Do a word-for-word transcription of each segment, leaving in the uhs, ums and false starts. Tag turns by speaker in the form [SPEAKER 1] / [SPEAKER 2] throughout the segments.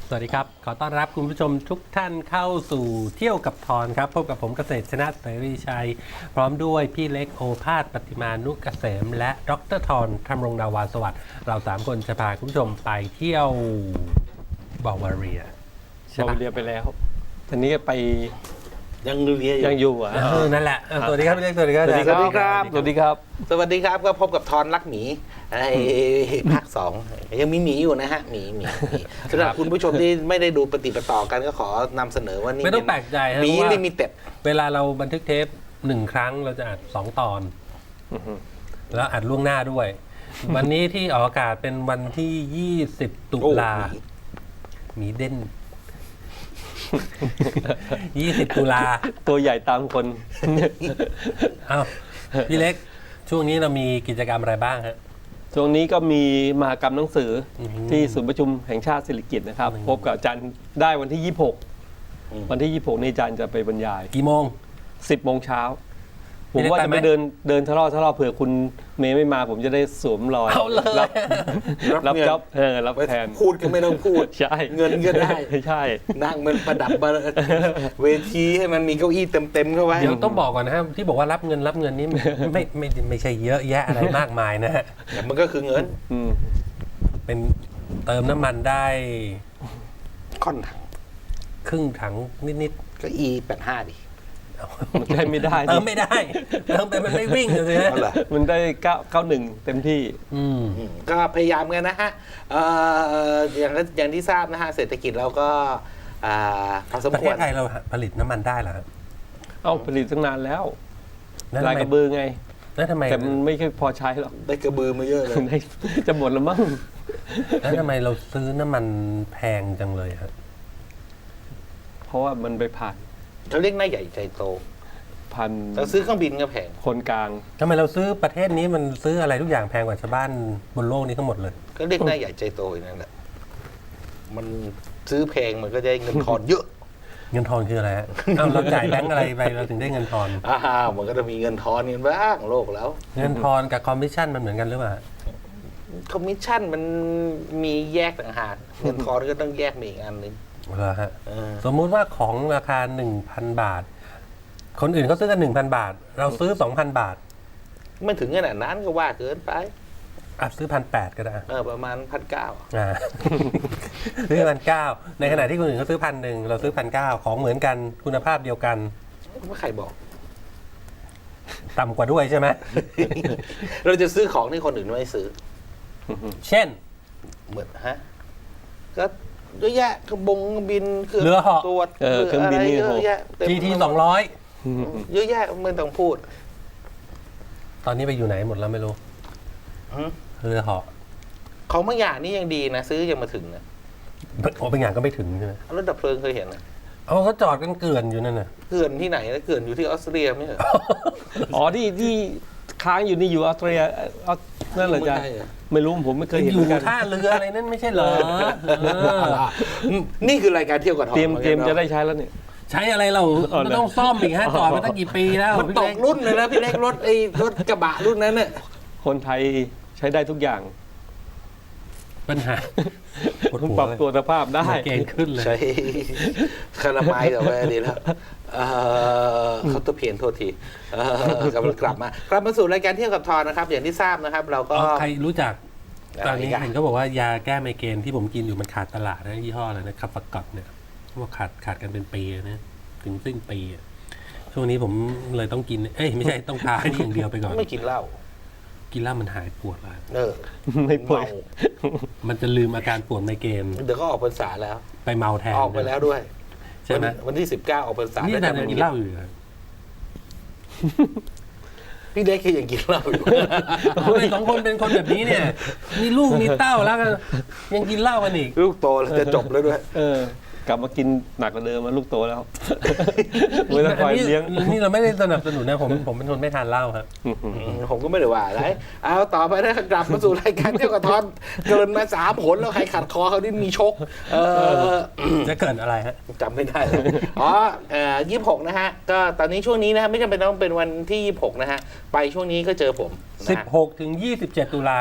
[SPEAKER 1] สวัสดีครับขอต้อนรับคุณผู้ชมทุกท่านเข้าสู่เที่ยวกับทอนครับพบกับผมเกษตรชนะเสรีชัยพร้อมด้วยพี่เล็กโอภาสปฏิมานุกเกษมและดรทอนธรรมรงดาวาสวัสดิ์เราสามคนจะพาคุณผู้ชมไปเที่ยวบาวาเรียใช่
[SPEAKER 2] บา
[SPEAKER 1] ปะ
[SPEAKER 2] วาเรียไปแล้วทีนี้ไป
[SPEAKER 3] ยังเรียน
[SPEAKER 2] ยังอยู่อ่ะ
[SPEAKER 1] เออนั่นแหละเออสวัสดีครับพี่เล็กสวัสดีครับ
[SPEAKER 2] สวัสดีครับ
[SPEAKER 1] อาจาย์
[SPEAKER 2] สวัสดีครับ
[SPEAKER 3] สวัสดีครับก็พบกับทอนรักหมีไอ้ภาคสองยังมีหมีอยู่นะฮะหมีหมีหมีสำหรับคุณผู้ชมที่ไม่ได้ดูปฏิปต่อกันก็ขอนำเสนอว่านี่
[SPEAKER 1] ไม่ต้องแปลกใจครับ
[SPEAKER 3] หมี
[SPEAKER 1] เพราะว่า
[SPEAKER 3] ลิมิเต็ด
[SPEAKER 1] เวลาเราบันทึกเทปหนึ่งครั้งเราจะอัดสองตอน แล้วอัดล่วงหน้าด้วย วันนี้ที่ออกอากาศเป็นวันที่ยี่สิบตุลาหมีเด่น ยี่สิบตุลา
[SPEAKER 2] ตัวใหญ่ตามคน
[SPEAKER 1] อ้าวพี่เล็กช่วงนี้เรามีกิจกรรมอะไรบ้างฮะ
[SPEAKER 2] ช่วงนี้ก็มีมหกรรมหนังสืออ
[SPEAKER 1] อหือ
[SPEAKER 2] ที่ศูนย์ประชุมแห่งชาติสิริกิติ์นะครับ
[SPEAKER 1] อืม
[SPEAKER 2] พบกับอาจารย์ได้วันที่ยี่สิบหกวันที่ยี่สิบหกนี่อาจารย์จะไปบรรยาย
[SPEAKER 1] กี่โมง
[SPEAKER 2] สิบโมงเช้าผ
[SPEAKER 1] พี่
[SPEAKER 2] ม
[SPEAKER 1] ได้
[SPEAKER 2] ว่า
[SPEAKER 1] ไป
[SPEAKER 2] จะ
[SPEAKER 1] ไหม
[SPEAKER 2] ไปเดินเดินทะเลาะทะเลาะเผื่อคุณเมย์ไม่มา ผมจะได้สวมรอย
[SPEAKER 1] เอาเลย
[SPEAKER 2] รับรับจ็อบเออรับแทน
[SPEAKER 3] พูดก็ไม่ต้องพูด
[SPEAKER 2] ใช่
[SPEAKER 3] เงินก็ได้
[SPEAKER 2] ใช่
[SPEAKER 3] นั่งมันประดับเวทีให้มันมีเก้าอี้เต็มๆเข้าไว้
[SPEAKER 1] เดี๋ยวต้องบอกก่อนนะฮะที่บอกว่ารับเงินรับเงินนี่ไม่ไม่ไม่ไม่ใช่เยอะแยะอะไรมากมายนะฮะ
[SPEAKER 3] แต่มันก็คือเงิน
[SPEAKER 2] อืม
[SPEAKER 1] เป็นเติมน้ำมันได้
[SPEAKER 3] ค่อนถัง
[SPEAKER 1] ครึ่งถังนิด
[SPEAKER 3] เก็อีแปดห้าดิ
[SPEAKER 2] มันได้ไม่ได้
[SPEAKER 1] ๆเติมไม่ได้เติมไปมันไม่วิ่งเลยฮะ
[SPEAKER 3] เอาเหรอ
[SPEAKER 2] มันได้เก้าเก้าหนึ่งเต็มที่
[SPEAKER 1] อืม
[SPEAKER 3] อืมก็พยายามกันนะฮะเอ่ออย่างอย่างที่ทราบนะฮะเศรษฐกิจเราก็อ่าพอสม
[SPEAKER 1] ประ
[SPEAKER 3] ค
[SPEAKER 1] เท
[SPEAKER 3] ว
[SPEAKER 1] ศ
[SPEAKER 3] ร
[SPEAKER 1] ไทยเราผลิตน้ำมันได้เหรอครับ
[SPEAKER 2] เอาผลิตตั้งนานแล้ว
[SPEAKER 1] แล้ว
[SPEAKER 2] ลา
[SPEAKER 1] ทำ
[SPEAKER 2] ย
[SPEAKER 1] ไม
[SPEAKER 2] กระบือไง
[SPEAKER 1] แล้วทำไม
[SPEAKER 2] แต่มันไม่ค่อยพอใช้หรอก
[SPEAKER 3] ได้กระบือมาเยอะเลย
[SPEAKER 2] ได้จะหมดแล้วมั้ง
[SPEAKER 1] แล้วทำไมเราซื้อน้ำมันแพงจังเลยครับ
[SPEAKER 2] เพราะว่ามันไปผ่าน
[SPEAKER 3] เขาเรียกหน้าใหญ่ใจโต
[SPEAKER 2] ผ่าน
[SPEAKER 3] เราซื้อเครื่องบินก็แพง
[SPEAKER 2] คนกลาง
[SPEAKER 1] ทำไมเราซื้อประเทศนี้มันซื้ออะไรทุกอย่างแพงกว่าชาวบ้านบนโลกนี้ทั้งหมดเลย
[SPEAKER 3] ก็เรียกหน้าใหญ่ใจโตอย่างนั้นแหละมันซื้อแพงมันก็ได้เงินทอนเยอะ
[SPEAKER 1] เงินทอนคืออะไรฮะ อ้าวเราจ่ายแบงก์อะไรไปเราถึงได้เงินทอน
[SPEAKER 3] อ้าวมันก็จะมีเงินทอนกันบ้างโลกแล้ว
[SPEAKER 1] เงินทอนกับคอมมิชชั่นมันเหมือนกันหรือเปล่า
[SPEAKER 3] คอมมิชชั่นมันมีแยกต่างหากเงินทอนก็ต้องแยกมาอีกอันหนึ่ง
[SPEAKER 1] เหรอฮะ
[SPEAKER 3] เออ
[SPEAKER 1] สมมุติว่าของราคา หนึ่งพัน บาท คนอื่นเขาซื้อกัน หนึ่งพัน บาท เราซื้อ สองพัน บาท
[SPEAKER 3] ไม่ถึงขนาดนั้นก็ว่าเกินไป
[SPEAKER 1] อ่ะซื้อพันแปดก็ได้
[SPEAKER 3] เออประมาณพันเก้า
[SPEAKER 1] อ่า ซื้อพันเก้าในขณะที่คนอื่นเขาซื้อพันหนึ่งเราซื้อพันเก้าของเหมือนกันคุณภาพเดียวกัน
[SPEAKER 3] ไม่ใครบอก
[SPEAKER 1] ต่ำกว่าด้วยใช่ไหม
[SPEAKER 3] เราจะซื้อของที่คนอื่นไม่ซื้อ
[SPEAKER 1] เช่น
[SPEAKER 3] เหมือนฮะก็เยอะแยะเครื่องบงเครื่องบินเครื่อง
[SPEAKER 1] เรือเหาะ
[SPEAKER 3] ตรวจ
[SPEAKER 2] เออเครื่องบินนี่
[SPEAKER 3] เย
[SPEAKER 2] โห
[SPEAKER 3] อะแยะเต็ม
[SPEAKER 1] จี ที สองร้อย
[SPEAKER 3] เยอะแยะไม่ต้องพูด
[SPEAKER 1] ตอนนี้ไปอยู่ไหนหมดแล้วไม่รู้
[SPEAKER 3] หือ
[SPEAKER 1] เรือเหาะ
[SPEAKER 3] ของบางอย่างนี่ยังดีนะ ซื้อยังมาถึงนะ
[SPEAKER 1] โอ้เป็นอย่างก็ไม่ถึงใช่ไหม
[SPEAKER 3] รถดับเพลิงเคยเห็นนะ
[SPEAKER 1] เอาเขาจอดกันเกลื่อนอยู่นั่นน่ะ
[SPEAKER 3] เขื่อนที่ไหนนะเขื่อนอยู่ที่ออสเตรียไม่ใช่เหรอ
[SPEAKER 2] อ๋อที่ที่ค้างอยู่นี่อยู่ออสเตรียออสนั่นเหรอจ๊ะ
[SPEAKER 3] ไม่ใช่เหรอ
[SPEAKER 2] ไม่รู้ผมไม่เคยเห็น
[SPEAKER 1] อ
[SPEAKER 2] เหมื
[SPEAKER 1] ยู่
[SPEAKER 2] อนกัน
[SPEAKER 1] ท่าเรืออะไรนั่นไม่ใช่เหรอเออ
[SPEAKER 3] นี่คือรายการเที่ยวกับทอง
[SPEAKER 2] เตรียมเตรียม
[SPEAKER 3] หอน
[SPEAKER 2] จะ
[SPEAKER 3] กัน
[SPEAKER 2] ได้ใช้แล้วเนี่ย
[SPEAKER 1] ใช้อะไรเรา
[SPEAKER 2] อ๋อเหรอ
[SPEAKER 1] มันต้องซ่อมอีกฮะจอดมาตั้งกี่ปีแล้ว
[SPEAKER 3] มัน
[SPEAKER 1] พี่
[SPEAKER 3] ต
[SPEAKER 1] เล็
[SPEAKER 3] ก
[SPEAKER 1] ก
[SPEAKER 3] รุ่นเลยนะพี่เล็กรถไอ้รถกระบะรุ่นนั้นเนี่ย
[SPEAKER 2] คนไทยใช้ได้ทุกอย่าง
[SPEAKER 1] ปัญหาปวด
[SPEAKER 2] ต้อง
[SPEAKER 1] หัว
[SPEAKER 2] ปรับ
[SPEAKER 1] เลย
[SPEAKER 2] ตัวสภาพได้
[SPEAKER 1] เกณฑ์ขึ้นเลย
[SPEAKER 3] ใช้คาราไมล์ต่อไปดีแล้วเอ่อเขาตะเพียนโทษทีเอ่อกำลังกลับมากลับมาสู่รายการเที่ยวกับทอนนะครับ อย่างที่ทราบนะครับ เราก็
[SPEAKER 1] อ๋อใครรู้จัก ตอนนี้
[SPEAKER 3] อะไรอ่ะ
[SPEAKER 1] เห็นเขาบอกว่ายาแก้ไมเกรนที่ผมกินอยู่มันขาดตลาดนะยี่ห้ออะไรนะคาฟากอตเนี่ยเขาบอกขาดขาดกันเป็นปีนะถึงสิ้นปีอะช่วงนี้ผมเลยต้องกิน เอ้ยไม่ใช่ต้องทาให้นี่อย่างเดียวไปก่อน
[SPEAKER 3] ไม่กินเหล้า
[SPEAKER 1] กินแล้วมันหายปวดแล้ว
[SPEAKER 3] เออ
[SPEAKER 2] ไม่ป่วย
[SPEAKER 3] เมา
[SPEAKER 1] มันจะลืมอาการปวดไมเกรน
[SPEAKER 3] เดี๋ยวก็ออกพรรษาแล้ว
[SPEAKER 1] ไปเมาแทน
[SPEAKER 3] ออกไปแล้วด้วย
[SPEAKER 1] ใช่ไหม
[SPEAKER 3] วันวันที่สิบเก้าออกพรรษา
[SPEAKER 1] นี่
[SPEAKER 3] แล้ว
[SPEAKER 1] นาน
[SPEAKER 3] จะ
[SPEAKER 1] ยัง
[SPEAKER 3] ไม่
[SPEAKER 1] กินเหล้าอยู่เหรอ
[SPEAKER 3] พี่เล็กคือยังกินเหล้าอยู่
[SPEAKER 1] ทำไมสองคนเป็นคนแบบนี้เนี่ย มีลูกมีเต้าแล้วกันยังกินเหล้ากันอีก
[SPEAKER 3] ลูกโตแล้วจะจบแล้วด้วย
[SPEAKER 2] เออกลับมากินหนักกว่าเดิมมาลูกโตแล้ว ไม่ต้องคอย
[SPEAKER 1] อันนี้
[SPEAKER 2] เลี้ยง
[SPEAKER 1] นี่เราไม่ได้สนับสนุนนะผมผมเป็นคนไม่ทานเหล้าครับ
[SPEAKER 3] ผมก็ไม่ได้ว่าอะไร เอาต่อไปนะกลับมาสู่รายการเที่ยวกับทอนเกินมาสามผลแล้วใครขัดคอเขานี่มีชก เออ
[SPEAKER 1] จะเกิดอะไรฮะ
[SPEAKER 3] จำไม่ได้แล้วอ๋อเอ่อยี่สิบหกนะฮะ ก็ตอนนี้ช่วงนี้นะฮะไม่จำเป็นต้องเป็นวันที่ยี่สิบหกนะฮะ ไปช่วงนี้ก็เจอผมนะฮะ
[SPEAKER 1] สิบหกถึงยี่สิบเจ็ดตุลาครับ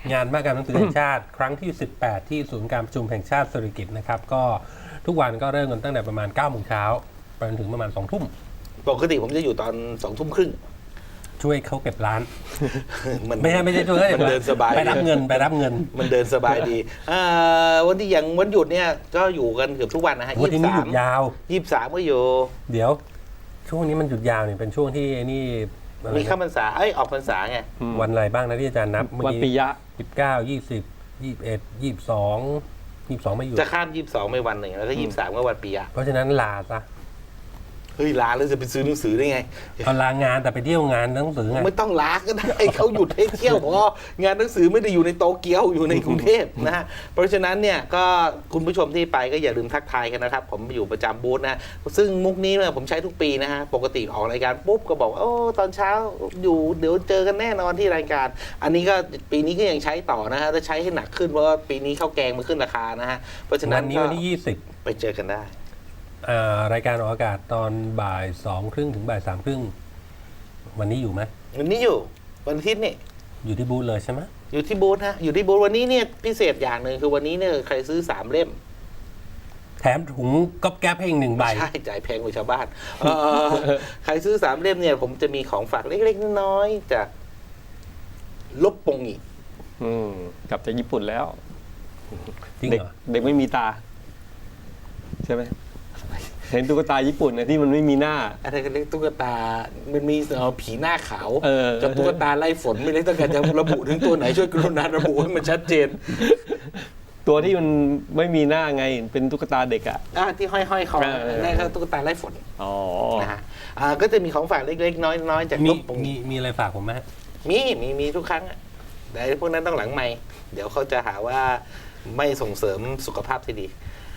[SPEAKER 1] งานมหกรรมหนังสือแห่งชาติ ครั้งที่ สิบแปด ที่ศูนย์การประชุมแห่งชาติสิริกิติ์นะครับก็ทุกวันก็เริ่มกันตั้งแต่ประมาณเก้าโมงเช้าไปจนถึงประมาณสองทุ่ม
[SPEAKER 3] ปกติผมจะอยู่ตอนสองทุ่มครึ่ง
[SPEAKER 1] ช่วยเขาเก็บร้าน
[SPEAKER 3] มัน
[SPEAKER 1] ไม่ใช่ไม่ใช่ช่วยเขาก็บ
[SPEAKER 3] มันเดินสบาย
[SPEAKER 1] ไปรับเงินไปรับเงิน
[SPEAKER 3] มันเดินสบายดีอ่าวันที่อย่างวันหยุดเนี่ยก็อยู่กันเกือบทุกวันนะฮะ
[SPEAKER 1] วันที่นี้หยุดยาว
[SPEAKER 3] ยี่สิบสามก็อยู่
[SPEAKER 1] เดี๋ยว ช่วงนี้มันหยุดยาวเนี่ยเป็นช่วงที่ไอ้นี่อะไร
[SPEAKER 3] มี
[SPEAKER 1] นะ
[SPEAKER 3] เข้าพรรษาเอ้ยออกพรรษาไง
[SPEAKER 1] วันอะไรบ้างนะที่อาจารย์นับเมื่อ
[SPEAKER 2] วัน
[SPEAKER 1] กี้
[SPEAKER 2] ปิยะ
[SPEAKER 1] สิบเก้ายี่สิบยี่สิบเอ็ดยี่สิบสองยี่สิบสองไม่หยุด
[SPEAKER 3] จะข้ามยี่สิบสองไปวันหนึ่งแล้วก็ยี่สิบสามก็วันปียะ
[SPEAKER 1] เพราะฉะนั้นลาซะ
[SPEAKER 3] เฮ้ยลาแล้วจะไปซื้อหนังสือได้ไง
[SPEAKER 1] เอาลางานแต่ไปเที่ยวงานหนังสือไง
[SPEAKER 3] ไม่ต้องลาก็ได้เขาหยุดให้เที่ยวเพราะงานหนังสือไม่ได้อยู่ในโตเกียวอยู่ในกรุงเทพนะฮะเพราะฉะนั้นเนี่ยก็คุณผู้ชมที่ไปก็อย่าลืมทักทายกันนะครับ ผมอยู่ประจำบูธนะซึ่งมุกนี้เนี่ยผมใช้ทุกปีนะฮะปกติออกรายการปุ๊บก็บอกว่าโอ้ตอนเช้าอยู่เดี๋ยวเจอกันแน่นอนที่รายการ อันนี้ก็ปีนี้ก็ยังใช้ต่อนะฮะจะใช้ให้หนักขึ้นเพราะว่าปีนี้ข้าวแกงมันขึ้นราคานะฮะเพราะฉะนั้
[SPEAKER 1] วัน นนี้
[SPEAKER 3] ก็
[SPEAKER 1] วันที่ยี่สิบ
[SPEAKER 3] ไปเจอกันได้
[SPEAKER 1] อ่ารายการออกอากาศตอนบ่ายสองครึ่งถึงบ่ายสามครึ่งวันนี้อยู่ไหม
[SPEAKER 3] วันนี้อยู่วันอาทิตย์นี่
[SPEAKER 1] อยู่ที่บูธเลยใช่ไหม
[SPEAKER 3] อยู่ที่บูธฮะอยู่ที่บูธวันนี้เนี่ยพิเศษอย่างหนึ่งคือวันนี้เนี่ยใครซื้อสามเล่ม
[SPEAKER 1] แถมถุงก๊อบแก๊บให้อีกหนึ่งใบ
[SPEAKER 3] ใช่จ่ายแพงกว่าชาวบ้านเอ่อใครซื้อสามเล่มเนี่ยผมจะมีของฝากเล็กๆน้อยๆจากลบปงอีก
[SPEAKER 2] อืมกลับจากญี่ปุ่นแล้ว
[SPEAKER 1] จริง
[SPEAKER 2] เด็ก
[SPEAKER 1] เหรอ
[SPEAKER 2] เด็กไม่มีตา ใช่ไหมเห็นตุ๊กตาญี่ปุ่นนะที่มันไม่มีหน้า
[SPEAKER 3] อะไรกันเรียกตุ๊กตา มันมีเอ่อผีหน้าขาว
[SPEAKER 2] เออ
[SPEAKER 3] กับตุ๊กตาไล่ฝนไม่ได้ต้องการจะระบุถึงตัวไหนช่วยกรุณาระบุให้มันชัดเจน
[SPEAKER 2] ตัวที่มันไม่มีหน้าไงเป็นตุ๊กตาเด็กอ่ะ
[SPEAKER 3] อ่าที่ห้อยๆคอ
[SPEAKER 2] เออเออ
[SPEAKER 3] นั่นคือตุ๊กตาไล่ฝน
[SPEAKER 2] อ๋อ
[SPEAKER 3] นะฮะอ่าก็จะมีของฝากเล็กๆ น้อยๆจาก
[SPEAKER 1] มี
[SPEAKER 3] ลบปง
[SPEAKER 1] มี
[SPEAKER 3] อีก
[SPEAKER 1] มีอะไรฝากผมไหมฮะ
[SPEAKER 3] มีมีมีทุกครั้งอะแต่ไอ้พวกนั้นต้องหลังไม่เดี๋ยวเขาจะหาว่าไม่ส่งเสริมสุขภาพที่ดี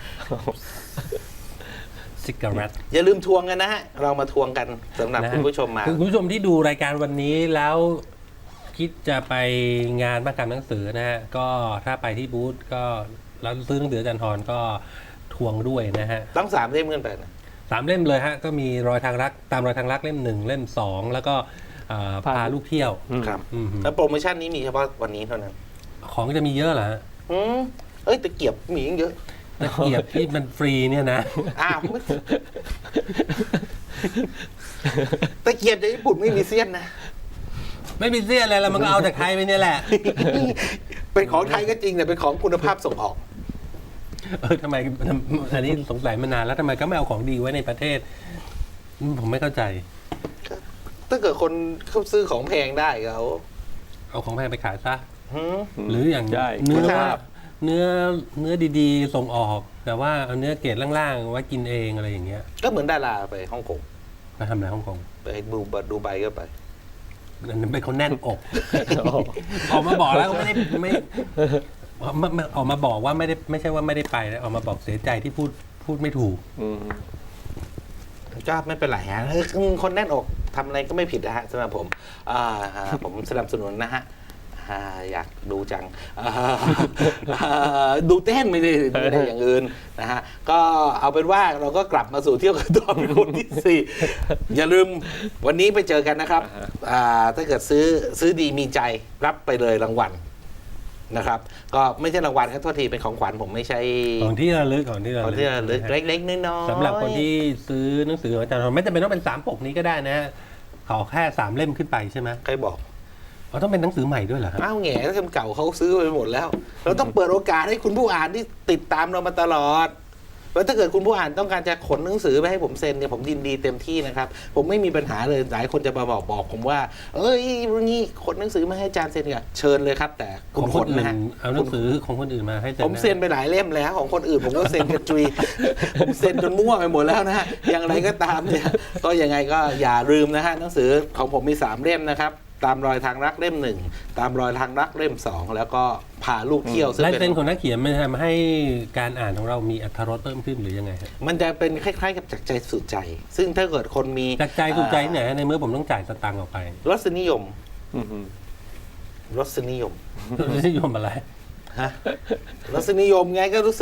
[SPEAKER 1] ซิก a เรต
[SPEAKER 3] อย่าลืมทวงกันนะฮะ เรามาทวงกันสำหรับ
[SPEAKER 1] นะฮะ
[SPEAKER 3] คุณผู้ชมมา
[SPEAKER 1] คือคุณผู้ชมที่ดูรายการวันนี้แล้วคิดจะไปงานมหกรรมหนังสือนะฮะ ก็ถ้าไปที่บูธก็แล้วซื้อหนังสืออาจารย์ทรก็ทวงด้วยนะฮะ
[SPEAKER 3] ต้องสามเล่มขึ้นไปนะ
[SPEAKER 1] สามเล่มเลยฮะ ก็มีรอยทางรักตามรอยทางรักเล่มหนึ่งเล่มสองแล้วก็เอ่อ
[SPEAKER 2] พา
[SPEAKER 1] พาลูกเที่ยว
[SPEAKER 3] ครับ
[SPEAKER 1] อืม
[SPEAKER 3] แล้วโปรโมชั่นนี้มีเฉพาะวันนี้เท่านั้น
[SPEAKER 1] ของจะมีเยอะเหรอฮะ
[SPEAKER 3] อืมเอ้ยตะเกียบมีอีกเยอะ
[SPEAKER 1] ตะเกียบที่มันฟรีเนี่ยนะ
[SPEAKER 3] อ้าวตะเกียบจากญี่ปุ่นไม่มีเสี้ยนนะ
[SPEAKER 1] ไม่มีเสี้ยอะไรแล้วมันก็เอาจากไทยไปเนี่ยแหละ
[SPEAKER 3] เป็นของไทยก็จริงแต่เป็นของคุณภาพส่งออก
[SPEAKER 1] เออทำไมอันนี้สงสัยมานานแล้วทำไมก็ไม่เอาของดีไว้ในประเทศอืมผมไม่เข้าใจ
[SPEAKER 3] ถ้าเกิดคนเขาซื้อของแพงได้เขา
[SPEAKER 1] เอาของแพงไปขายซะ
[SPEAKER 3] หืม
[SPEAKER 1] หรืออย่าง
[SPEAKER 2] ใช่
[SPEAKER 1] เนื้อ
[SPEAKER 3] คุณภาพ
[SPEAKER 1] เนื้อเนื้อดีๆ ส่งออก แต่ว่าเอาเนื้อเกรดล่างๆไว้กินเองอะไรอย่างเงี้ย
[SPEAKER 3] ก็เหมือนดาราไปฮ่องกง
[SPEAKER 1] ไปทำอะไรฮ่องกง
[SPEAKER 3] ไปดูบัดูใบก็ไป
[SPEAKER 1] นั่นเป็นคนแน่นอก ออกมาบอกแล้วก็ไม่ได้ไม่ออกมาออกมาบอกว่าไม่ได้ไม่ใช่ว่าไม่ได้ไปนะออกมาบอกเสียใจที่พูดพูดไม่ถูก
[SPEAKER 2] อืม
[SPEAKER 3] ก็ไม่เป็นไรฮะเออคนแน่นอกทำอะไรก็ไม่ผิดนะฮะสำหรับผมอ่าฮะผมสนับสนุนนะฮะอ่าอยากดูจังอ่าอ่าดูเต้นไม่ได้ไม่ได้อย่างอื่นนะฮะก็เอาเป็นว่าเราก็กลับมาสู่เที่ยวกันต่อเป็นคนที่สี่อย่าลืมวันนี้ไปเจอกันนะครับอ่าถ้าเกิดซื้อซื้อดีมีใจรับไปเลยรางวัลนะครับ ก็ไม่ใช่รางวัลครับโทษทีเป็นของขวัญผมไม่ใช่
[SPEAKER 1] ของที่ระลึกของที่ระ
[SPEAKER 3] ของ
[SPEAKER 1] ลึก
[SPEAKER 3] ที่ระลึกเล็กๆน้อยๆ
[SPEAKER 1] สำหรับคนที่ซื้อหนังสือของอาจารย์ทรไม่จำเป็นต้องเป็นสามปกนี้ก็ได้นะฮะขอแค่สามเล่มขึ้นไปใช่ไหม
[SPEAKER 3] ใครบอก
[SPEAKER 1] อ๋อต้องเป็นหนังสือใหม่ด้วยเหรอครับ
[SPEAKER 3] อ้าวแง่ถ้าเล่มเก่าเขาซื้อไปหมดแล้ว เราต้องเปิดโอกาสให้คุณผู้อ่านที่ติดตามเรามาตลอดแล้วถ้าเกิดคุณผู้อ่านต้องการจะขนหนังสือไปให้ผมเซ็นเนี่ยผมยินดีเต็มที่นะครับ ผมไม่มีปัญหาเลยหลายคนจะมาบอกบอกผมว่า เอ้ยวันนี้ขนหนังสือมาให้อาจารย์เซ็นกันเชิญเลยครับ แต่
[SPEAKER 1] ข
[SPEAKER 3] คุ
[SPEAKER 1] อง
[SPEAKER 3] ณ
[SPEAKER 1] ค
[SPEAKER 3] ข
[SPEAKER 1] น
[SPEAKER 3] น
[SPEAKER 1] อื่น
[SPEAKER 3] นะฮะ
[SPEAKER 1] เอาหนังสือของคนอื่นมาให้เซ็น
[SPEAKER 3] ผมเซ็นไปหลายเล่มแล้วของคนอื่นผมก็เซ็นกระจุย ผมเซ็นจนมั่วไปหมดแล้วนะฮะอย่างไรก็ตามเนี่ยก็ยังไงก็อย่าลืมนะฮะหนังสือของผมมีสามเล่มนะครับตามรอยทางรักเล่มหนึ่งตามรอยทางรักเล่มสองแล้วก็พาลูกเที่ยวซึ่ง
[SPEAKER 1] ลาย
[SPEAKER 3] เป็
[SPEAKER 1] เซ็น
[SPEAKER 3] น
[SPEAKER 1] ของนักเขียนมันทำให้การอ่านของเรามีอรรถรสเพิ่มขึ้นหรือยังไงฮะ
[SPEAKER 3] มันจะเป็นคล้ายๆกับจากใจสู่ใจ ซึ่งถ้าเกิดคนมี
[SPEAKER 1] จากใจถูกใจเนี่ยในเมื่อผมต้องจ่ายสตังค์ออกไป
[SPEAKER 3] รสนิยม
[SPEAKER 2] อืม
[SPEAKER 3] รสนิยม
[SPEAKER 1] นิยมอะไร
[SPEAKER 3] ฮะรสนิยมไงก็รู้สึก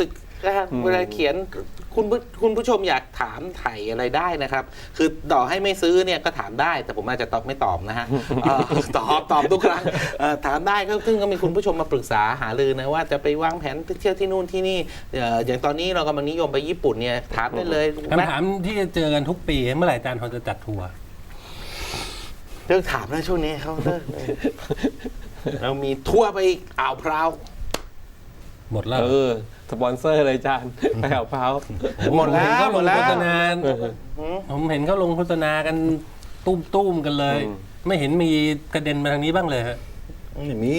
[SPEAKER 3] นะครับเวลาเขียนคุณผู้คุณผู้ชมอยากถามไถ่อะไรได้นะครับ คือต่อให้ไม่ซื้อเนี่ยก็ถามได้ แต่ผมอาจจะตอบไม่ตอบนะฮะเอ่อตอบตอบทุกครั้งเอ่อถามได้ก็ซึ่งก็มีคุณผู้ชมมาปรึกษาหารือนะว่าจะไปวางแผนไปเที่ยวที่นู่นที่นี่เอ่ออย่างตอนนี้เรากำลังนิยมไปญี่ปุ่นเนี่ยถามได้เลย
[SPEAKER 1] คำถามที่จะเจอกันทุกปีเมื่อไหร่อาจารย์ทอนจะจัดทัวร์
[SPEAKER 3] เรื่องถามนะช่วงนี้เขาเลิกเลยเรามีทัวร์ไปอ่าวพร้าว
[SPEAKER 1] หมดแล้ว
[SPEAKER 2] เออสปอนเซอร์เลยจานไปเอาเพ้า
[SPEAKER 3] หมดแล้ว
[SPEAKER 1] ผมเห็นเขา
[SPEAKER 3] หม
[SPEAKER 1] ล
[SPEAKER 3] ด
[SPEAKER 1] ง
[SPEAKER 3] แล้ว
[SPEAKER 1] โฆษณา
[SPEAKER 3] หืม
[SPEAKER 1] ผมเห็นเขาลงโฆษณากันตุ้มตุ้มๆกันเลย
[SPEAKER 2] อืม
[SPEAKER 1] ไม่เห็นมีกระเด็นมาทางนี้บ้างเลยฮะ
[SPEAKER 3] ไม่มี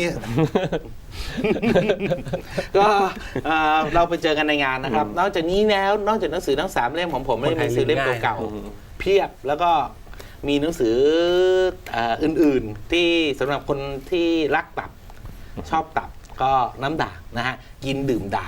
[SPEAKER 3] ก็เอ่อเราไปเจอกันในงานนะครับ นอกจากนี้แล้วนอกจากหนังสือทั้งสามเล่มของผมไม่ได้มีหนังสือเล่มเก่าๆเพียบแล้วก็มีหนังสือเอ่ออื่นๆ ที่สำหรับคนที่รักตับชอบตับก็น้ำด่างนะฮะกินดื่มด่าง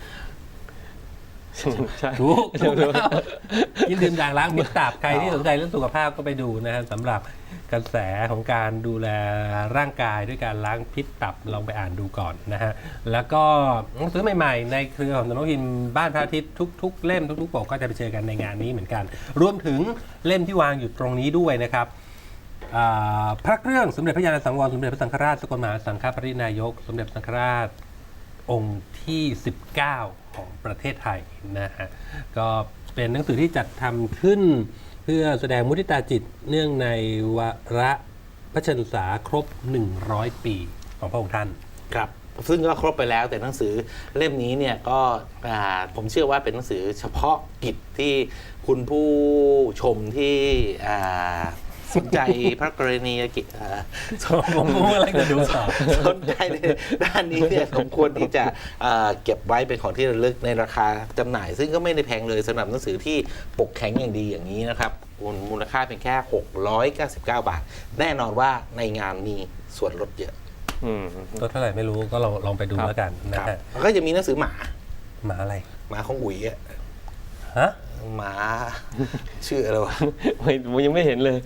[SPEAKER 2] ใช่
[SPEAKER 1] ถูกถูกแล้วกินดื่มด่างล้างมิตรตับใครที่สนใจเรื่องสุขภาพก็ไปดูนะฮะสำหรับกระแสของการดูแลร่างกายด้วยการล้างพิษตับลองไปอ่านดูก่อนนะฮะแล้วก็หนังสือใหม่ๆในเครือของสำนักพิมพ์บ้านพระอาทิตย์ทุกๆเล่มทุกๆปกก็จะไปเจอกันในงานนี้เหมือนกัน รวมถึงเล่มที่วางอยู่ตรงนี้ด้วยนะครับอ่าพระเครื่องสมเด็จพระยาณสังวรสมเด็จพระสังฆราชสกลมหาสังฆปรินายก สมเด็จพระสังฆราช องค์ที่ สิบเก้า ของประเทศไทยนะฮะก็เป็นหนังสือที่จัดทำขึ้นเพื่อแสดงมุทิตาจิตเนื่องในวาระพระชนษาครบ หนึ่งร้อย ปีของพระองค์ท่าน
[SPEAKER 3] ครับซึ่งก็ครบไปแล้วแต่หนังสือเล่มนี้เนี่ยก็อ่าผมเชื่อว่าเป็นหนังสือเฉพาะกิจที่คุณผู้ชมที่อ่าสนใจพระกรณียกิจอ่า
[SPEAKER 1] ผมผมอะไรจะดูต่อ
[SPEAKER 3] สนใจในด้านนี้เนี่ยสมควรที่จะอ่าเก็บไว้เป็นของที่ระลึกในราคาจำหน่าย ซึ่งก็ไม่ได้แพงเลยสำหรับหนังสือที่ปกแข็งอย่างดีอย่างนี้นะครับมูลค่าเพียงแค่หกร้อยเก้าสิบเก้าบาท แน่นอนว่าในงานมีส่วนลดเยอะ
[SPEAKER 2] อืม
[SPEAKER 1] ตัวเท่าไหร่ไม่รู้ก็ลองลองไปดู
[SPEAKER 2] ครับ
[SPEAKER 1] แล้วกันนะครับ ฮะ
[SPEAKER 3] แล้วก็จะมีหนังสือหมา
[SPEAKER 1] หมาอะไร
[SPEAKER 3] หมาของอุ๋ยอะ
[SPEAKER 1] ฮะ
[SPEAKER 3] หมาชื่ออะไรวะ
[SPEAKER 2] ไม่ผมยังไม่เห็นเลย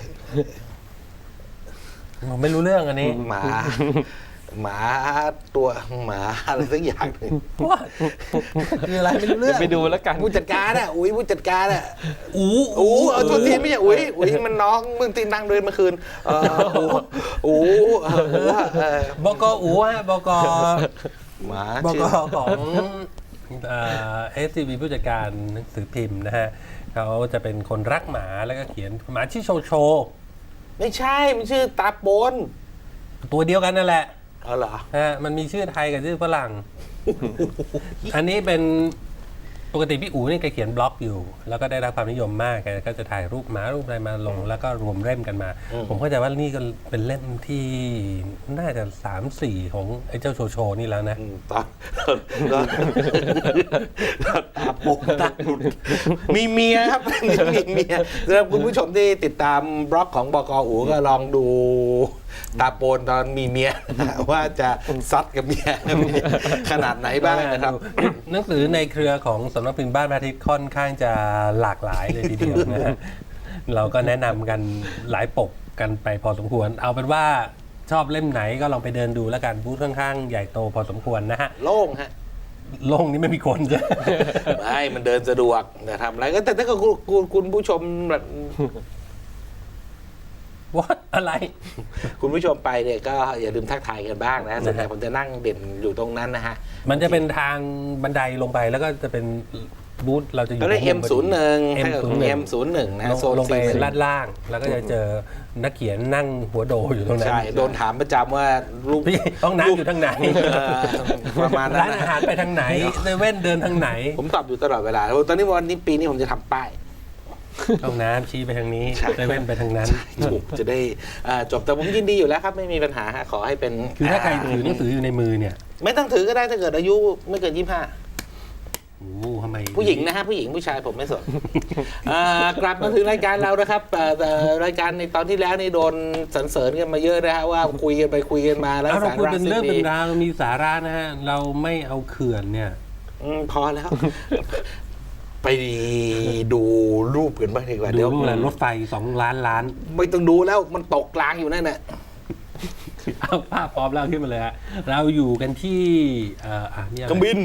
[SPEAKER 1] ผมไม่รู้เรื่องอันนี้
[SPEAKER 3] หมา หมาตัวหมาอะไรสักอย่างหนึ่ง
[SPEAKER 1] ว่าคืออะไรไม่รู้เรื่อง
[SPEAKER 2] ไปดูแล้วกัน
[SPEAKER 3] ผู้จัดการอะอุ๋ยผู้จัดการอะ
[SPEAKER 1] อู
[SPEAKER 3] อูเอาตัวทีไม่ใช่อุ๋ยอุ๋ยมันน้องมึงตีนนั่งเดินเมื่อคืนเอออูอูเอออูอะเออบ
[SPEAKER 1] กอูฮะบก
[SPEAKER 3] หมา
[SPEAKER 1] บ
[SPEAKER 3] ชื่
[SPEAKER 1] ก
[SPEAKER 3] อ
[SPEAKER 1] ของเอสซีบีผู้จัดการหนังสือพิมพ์นะฮะเขาจะเป็นคนรักหมาแล้วก็เขียนหมาชื่อโชโช
[SPEAKER 3] ไม่ใช่มันชื่อตาโปน
[SPEAKER 1] ตัวเดียวกันนั่นแหละ
[SPEAKER 3] เอาเหรอ
[SPEAKER 1] ฮะมันมีชื่อไทยกับชื่อฝรั่ง อันนี้เป็นปกติพี่อู๋เนี่ยแกเขียนบล็อกอยู่ แล้วก็ได้รับความนิยมมากแกก็จะถ่ายรูปหมารูปอะไรมาลง แล้วก็รวมเล่มกันมา ผมเข้าใจว่านี่ก็เป็นเล่มที่น่าจะสามสี่ของไอ้เจ้าโชโชนี่แล้วนะ
[SPEAKER 3] อืมตาตาโปนตาหลุดมีเมียครับ มีเมียสำหรับคุณผู้ชมที่ติดตามบล็อกของบกอูก็ลองดูตาโปนตอนมีเมีย ว่าจะซัดกับเมียขนาดไหนบ้างนะครับ
[SPEAKER 1] หนังสือในเครือของสำนักพิมพ์บ้านพระอาทิตย์ค่อนข้างจะหลากหลายเลยทีเดียวนะฮะ เราก็แนะนำกันหลายปกกันไปพอสมควร เอาเป็นว่าชอบเล่มไหนก็ลองไปเดินดูแล้วกันบูธค่อนข้างใหญ่โตพอสมควรนะฮะ
[SPEAKER 3] โล่งฮะ
[SPEAKER 1] โลงนี้ไม่มีคนจ้ะ
[SPEAKER 3] ไม่มันเดินสะดวกแต่ทำอะไรก็แต่ถ้าเกิดคุณคุณคุณผู้ชมแบบ
[SPEAKER 1] ว่าอะไร
[SPEAKER 3] คุณผู้ชมไปเนี่ยก็อย่าลืมทักทายกันบ้างนะส่วนใหญ่ผมจะนั่งเด่นอยู่ตรงนั้นนะฮะ
[SPEAKER 1] มันจะเป็นทางบันไดลงไปแล้วก็จะเป็นบูธเราจะอยู่
[SPEAKER 3] ก็ได้ เอ็ม ศูนย์หนึ่ง
[SPEAKER 1] เอ็มศูนย์หนึ่ง
[SPEAKER 3] เอ็มศูนย์หนึ่งนะ
[SPEAKER 1] ลง
[SPEAKER 3] โซน
[SPEAKER 1] ลงไป
[SPEAKER 3] สี่สิบ
[SPEAKER 1] ลาดล่าง แล้วก็จะเจอนักเขียนนั่งหัวโดอยู่ตรงนั้น
[SPEAKER 3] ใช่โดนถามประจำว่ารูป
[SPEAKER 1] พี่ห้องน้ำอยู่ทางไหน
[SPEAKER 3] เออประมาณนั้น
[SPEAKER 1] ร้าน
[SPEAKER 3] นะ
[SPEAKER 1] อาหารไปทางไหนเซเว่นเดินทางไหน
[SPEAKER 3] ผมตอบอยู่ตลอดเวลาตอนนี้วันนี้ปีนี้ผมจะทำป้าย
[SPEAKER 1] ห้องน้ำชี้ไปทางนี้
[SPEAKER 3] ใช่
[SPEAKER 1] เซเว่นไปทางนั้น
[SPEAKER 3] ถูกจะได้อ่าจบแต่ผมยินดีอยู่แล้วครับไม่มีปัญหาฮะขอให้เป็น
[SPEAKER 1] คือถ้าใครถือหนังสืออยู่ในมือเนี่ย
[SPEAKER 3] ไม่ต้องถือก็ได้ถ้าเกิดอายุไม่เกินยี่สิบห้า
[SPEAKER 1] โอ้โหทำไม
[SPEAKER 3] ผู้หญิงนะฮะผู้หญิงผู้ชายผมไม่สน อ่ากลับมาถึงรายการเรานะครับเอ่อแต่รายการในตอนที่แล้วนี่โดนสรรเสริญกันมาเยอะนะฮะว่าคุยกันไปคุยกันมาแล้ว
[SPEAKER 1] เอาเรา
[SPEAKER 3] สา
[SPEAKER 1] คุย
[SPEAKER 3] ระ
[SPEAKER 1] เป็น
[SPEAKER 3] ซึ่
[SPEAKER 1] เรื่อง
[SPEAKER 3] ง
[SPEAKER 1] เป็
[SPEAKER 3] มี
[SPEAKER 1] นราวมีสาระนะฮะเราไม่เอาเขื่อนเนี่ย
[SPEAKER 3] อืมพอแล้ว ไปดูรูปกันบ้างดีกว่า
[SPEAKER 1] ดู
[SPEAKER 3] เดี๋ยว
[SPEAKER 1] รูปอะไรรถไฟสองล้านล้าน
[SPEAKER 3] ไม่ต้องดูแล้วมันตกกลางอยู่นั่นแหละ
[SPEAKER 1] เอาภาพพร้อมแล้วขึ้นมาเลยฮะเราอยู่กันที่เอ่ออ่ะนี่อะไร
[SPEAKER 3] เครื่องบิน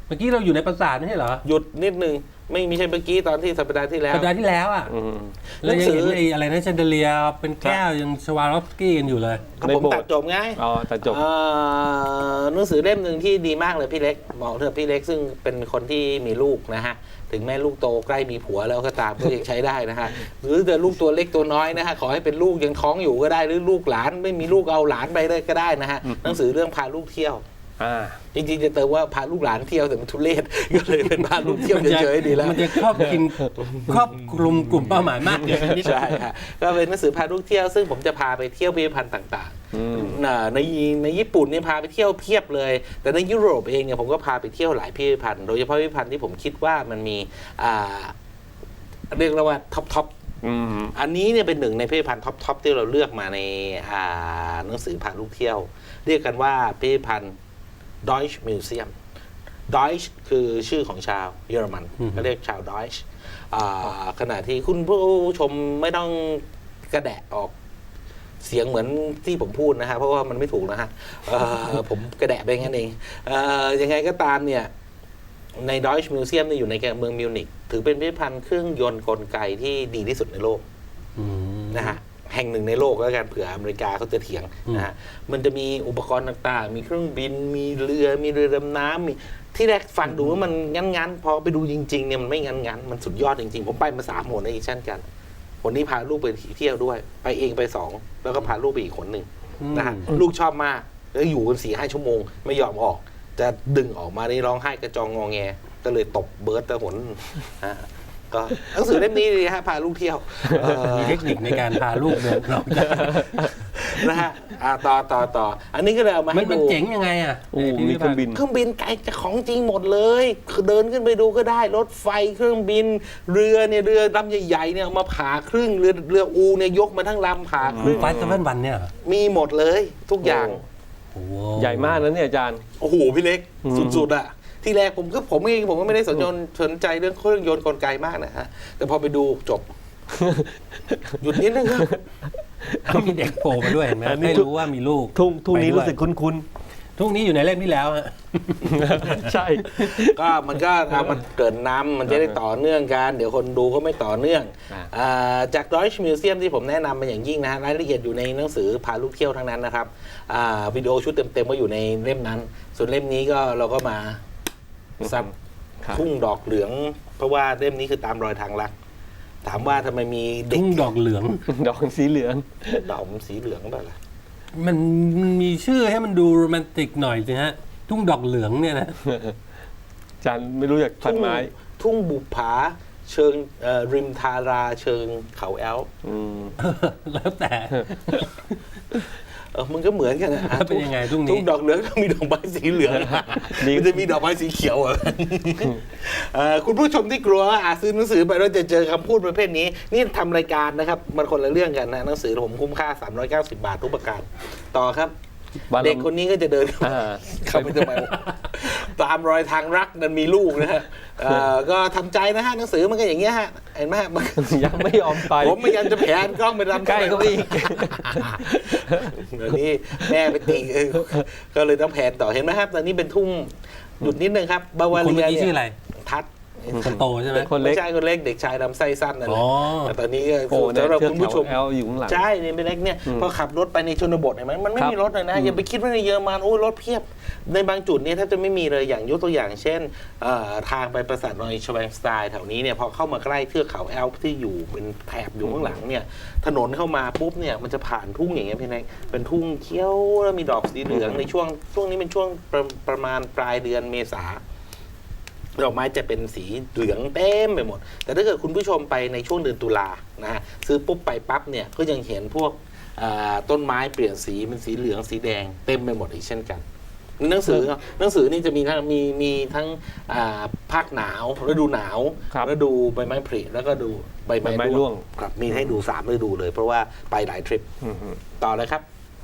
[SPEAKER 1] มื่อกี้เราอยู่ในปราสาทไม่ใช่เหรอ
[SPEAKER 3] หยุดนิดนึงไม่ไม่ใช่เมื่อกี้ตอนที่สัปดาห์ที่แล้ว
[SPEAKER 1] สัปดาห์ที่แล้วอ่ะ
[SPEAKER 2] อืม
[SPEAKER 1] เรายังเห็น
[SPEAKER 3] หนังสือ
[SPEAKER 1] ไอ้อะไรนะแชนเดเลียเป็นแก้วยังชวาลอฟสกี้กันอยู่เลย
[SPEAKER 3] ก็
[SPEAKER 2] ใน
[SPEAKER 3] ผม
[SPEAKER 2] โบสถ์
[SPEAKER 3] ตัดจบไง
[SPEAKER 2] อ๋อแต่จบ
[SPEAKER 3] เอ่อหนังสือเล่มหนึ่งที่ดีมากเลยพี่เล็กเหมาะเถอะพี่เล็กซึ่งเป็นคนที่มีลูกนะฮะถึงแม้ลูกโตใกล้มีผัวแล้วก็ตามก็ยังใช้ได้นะฮะหรือจะลูกตัวเล็กตัวน้อยนะฮะขอให้เป็นลูกยังท้องอยู่ก็ได้หรือลูกหลานไม่มีลูกเอาหลานไปได้ก็ได้นะฮะหนังสือเรื่องพาลูกเที่ยว
[SPEAKER 2] อ่า
[SPEAKER 3] จริงๆจะเติมว่าพาลูกหลานเที่ยวแต่มันทุเรศ ก็เลยเป็นพาลูกเที่ยวเฉยๆดีแล้ว
[SPEAKER 1] มันจะครอบคลุมครอบคลุมกลุ่มเป้าหมายมากเกินนิด
[SPEAKER 3] ใช่ฮะก็เป็นหนังสือพาลูกเที่ยวซึ่งผมจะพาไปเที่ยวพิพิธภัณฑ์ต่าง
[SPEAKER 2] อืม
[SPEAKER 3] ๆน่ะในในญี่ปุ่นเนี่ยพาไปเที่ยวเพียบเลย แต่ในยุโรปเองเนี่ยผมก็พาไปเที่ยวหลายพิพิธภัณฑ์โดยเฉพาะพิพิธภัณฑ์ที่ผมคิดว่ามันมีอ่าเรียกว่าท็อปท็อป
[SPEAKER 2] อืม
[SPEAKER 3] อันนี้เนี่ยเป็นหนึ่งในพิพิธภัณฑ์ท็อปท็อปที่เราเลือกมาในอ่าหนังสือพาลูกเที่ยว เรียกกันว่าพิพิธภัณฑ์ Deutsche Museum Deutsch คือชื่อของชาวเยอรมันเขาเรียกชาว Deutsch อ่าขณะที่คุณผู้ชมไม่ต้องกระแดะออกเสียงเหมือนที่ผมพูดนะฮะเพราะว่ามันไม่ถูกนะฮะเอ่อ ผมกระแดะไปงั้นเองเอ่อยังไงก็ตามเนี่ยใน Deutsche Museum เนี่ยอยู่ในเมืองมิวนิกถือเป็นพิพิธภัณฑ์เครื่องยนต์กลไกที่ดีที่สุดในโลก
[SPEAKER 1] อืม
[SPEAKER 3] นะฮะแห่งหนึ่งในโลกแล้วกันเผื่ออเมริกาเขาจะเถียงนะฮะมันจะมีอุปกรณ์ต่างๆ มีเครื่องบินมีเรือมีเรือดำน้ำมีที่แรกฟังดูว่ามันงั้นๆพอไปดูจริงๆเนี่ยมันไม่งั้นๆมันสุดยอดจริงๆ ผมไปมาสามหนในอีกเช่นกันคนนี้พาลูกไปเที่ยวด้วย ไปเองไปสองแล้วก็พาลูกไปอีกคนหนึ่งนะฮะลูกชอบมากแล้วอยู่กันสี่ห้าชั่วโมงไม่ยอมออก จะดึงออกมานี่ร้องไห้กระจองงอแงก็เลยตบเบิร์ตตะหนฮะก็หนังสือเล่มนี้ดีฮะพาลูกเที่ยวเอ่อ
[SPEAKER 1] มีเทคนิคในการพาลูกเดินออกจาก
[SPEAKER 3] นะฮะอ่าต่อต่อต่ออันนี้ก็เลยเอามา
[SPEAKER 1] มั
[SPEAKER 3] ให้
[SPEAKER 1] นมัน
[SPEAKER 3] ดู
[SPEAKER 1] เจ๋งยังไงอ่ะ
[SPEAKER 2] โอ้มีเครื่องบิน
[SPEAKER 3] เครื่องบินไกลจากของจริงหมดเลยคือเดินขึ้นไปดูก็ได้ รถไฟเครื่องบิน เรือเนี่ยเรือลำใหญ่ๆเนี่ยเอามาผ่าครึ่งเรือเรืออูเนี่ยยกมาทั้งลำผ่าครึ่ง
[SPEAKER 1] ไฟเซเว่นวันเนี่ยเหรอ
[SPEAKER 3] มีหมดเลยทุกอย่าง
[SPEAKER 1] โอ้โห
[SPEAKER 2] ใหญ่มากนะเนี่ยอาจารย์
[SPEAKER 3] โอ้โหพี่เล็ก
[SPEAKER 2] อืม
[SPEAKER 3] สุดๆอะที่แรกผมก็ผมเองผมก็ไม่ได้สนใจสนใจเรื่องเครื่องยนต์กลไกมากนะฮะแต่พอไปดูจบ หยุดนิดนึงครับ
[SPEAKER 1] เขามีเด็กโผล่มาด้วยเห็นไหม
[SPEAKER 2] อันนี้
[SPEAKER 1] ให้รู้ว่ามีลูก
[SPEAKER 2] ทุ่งทุ่งนี้
[SPEAKER 1] ไปด้วย
[SPEAKER 2] รู้สึกคุ้น
[SPEAKER 1] ทุ่งนี้อยู่ในเล่มที่แล้วฮะ
[SPEAKER 2] ๆ ใช่
[SPEAKER 3] ก็มันก็เอามันเกิดนำมันจะได้ต่อเนื่องกันเดี๋ยวคนดูก็ไม่ต่อเนื่อง
[SPEAKER 2] อ่า
[SPEAKER 3] อ่าจาก Deutsche Museum ที่ผมแนะนำมาอย่างยิ่งนะฮะรายละเอียดอยู่ในหนังสือพาลูกเที่ยวทั้งนั้นนะครับอ่าวิดีโอชุดเต็มๆก็อยู่ในเล่มนั้น ส่วนเล่มนี้ก็เราก็มาซับ
[SPEAKER 2] ครับ
[SPEAKER 3] ทุ่งดอกเหลือง เพราะว่าเล่มนี้คือตามรอยทางลักถามว่าทำไมมีเด็ก
[SPEAKER 1] ทุ่งดอกเหลือง
[SPEAKER 2] ดอกสีเหลือง
[SPEAKER 3] ดอกมันสีเหลืองแบบล่ะ
[SPEAKER 1] มันมีชื่อให้มันดูโรแมนติกหน่อยสิฮะ ทุ่งดอกเหลืองเนี่ยนะ
[SPEAKER 2] อาจารย์ไม่รู้จักพันไม้
[SPEAKER 3] ทุ่งบุปผาเชิงเอ่อริมทาราเชิงเขาแอล
[SPEAKER 2] อืม
[SPEAKER 1] แล้วแต่
[SPEAKER 3] เออมันก็เหมือนกันนะ
[SPEAKER 1] แล้วเป็นยังไงทุ่งนี้
[SPEAKER 3] ทุ่งดอกเหลืองก็มีดอกไม้สีเหลือง
[SPEAKER 2] ดี
[SPEAKER 3] มันจะมีดอกไม้สีเขียวเหรอเอ่อคุณผู้ชมที่กลัวว่าอาจซื้อหนังสือไปแล้วจะเจอคำพูดประเภทนี้ นี่ทำรายการนะครับ มันคนละเรื่องกันนะหนังสือผมคุ้มค่าสามร้อยเก้าสิบบาททุกประการ ต่อครับ
[SPEAKER 2] บ้านเรา
[SPEAKER 3] เด็กคนนี้ก็จะเดิน
[SPEAKER 2] อ่า
[SPEAKER 3] เข้าไปทำไมตามรอยทางรักนั้นมีลูกนะฮะเอ่อก็ทำใจนะฮะหนังสือมันก็อย่างเงี้ยฮะเห็นไหมฮะมัน
[SPEAKER 2] ยังไม่ยอมไป
[SPEAKER 3] ผมพยายามจะแผนกล้องไปรำ
[SPEAKER 2] ใกล้เข้าไปอีก
[SPEAKER 3] เดี๋ยวนี้แม่ไปตีเออก็เลยต้องแผนต่อเห็นไหมครับตอนนี้เป็นทุ่งหยุดนิดนึงครับบาวา
[SPEAKER 1] คน
[SPEAKER 3] เรี
[SPEAKER 1] เมื่
[SPEAKER 3] ย
[SPEAKER 1] อกี้
[SPEAKER 3] เนี่
[SPEAKER 1] ชื่ออะไร
[SPEAKER 3] ยทัด
[SPEAKER 1] คนโตใช่ไหม
[SPEAKER 2] คนเล็ก
[SPEAKER 3] ไม่ใช่คนเล็กเด็กชายลำไส้สั้นนั่นแห
[SPEAKER 1] อ๋
[SPEAKER 3] ละ
[SPEAKER 1] อ
[SPEAKER 3] แต่ตอนนี้ก็
[SPEAKER 2] โอ้เนี่ย
[SPEAKER 3] สำหรับ
[SPEAKER 2] เทือก
[SPEAKER 3] คุณผู้ช
[SPEAKER 2] เขา
[SPEAKER 3] ม
[SPEAKER 2] แอลอยู่ข้างหลัง
[SPEAKER 3] ใช่เนี่ยเป็นเล็กเนี่ย
[SPEAKER 2] อืม
[SPEAKER 3] พอขับรถไปในชนบทเห็นไหมมันไม่
[SPEAKER 2] ครับ
[SPEAKER 3] มีรถเลยนะ
[SPEAKER 2] อืม
[SPEAKER 3] อย่าไปคิดว่าในเยอรมันโอ้ยรถเพียบ ในบางจุดเนี่ยแทบจะไม่มีเลยอย่างยกตัวอย่างเช่นเอ่อทางไปปราสาทนอยชแวงสไตน์แถวนี้เนี่ยพอเข้ามาใกล้เทือกเขาแอลป์ที่อยู่เป็นแถบอยู่ข้างหลังเนี่ยถนนเข้ามาปุ๊บเนี่ยมันจะผ่านทุ่งอย่างเงี้ยพี่แนกเป็นทุ่งเขียวแล้วมีดอกสีเหลืองในช่วงช่วงนี้เป็นช่วงประประมาณปลายเดือนเมษา ดอกไม้จะเป็นสีเหลืองเต็มไปหมด แต่ถ้าเกิดคุณผู้ชมไปในช่วงเดือนตุลานะฮะซื้อปุ๊บไปปั๊บเนี่ยก็ยังเห็นพวกอ่าต้นไม้เปลี่ยนสีเป็นสีเหลืองสีแดงเต็มไปหมดอีกเช่นกันหนังสือหนังสือนี่จะมีทั้งมีมีทั้งอ่าภาคหนาวฤดูหนาว
[SPEAKER 2] ครับ
[SPEAKER 3] ฤดูใบไม้ผลิแล้วก็ดูใบ
[SPEAKER 2] ใบไม้
[SPEAKER 3] ไม้
[SPEAKER 2] ร่
[SPEAKER 3] ร่
[SPEAKER 2] ว
[SPEAKER 3] ว
[SPEAKER 2] ง
[SPEAKER 3] งครับมีให้ดูสามฤดูเลย เพราะว่าไปหลายทริป
[SPEAKER 2] อืม
[SPEAKER 3] ต่อเลยครับ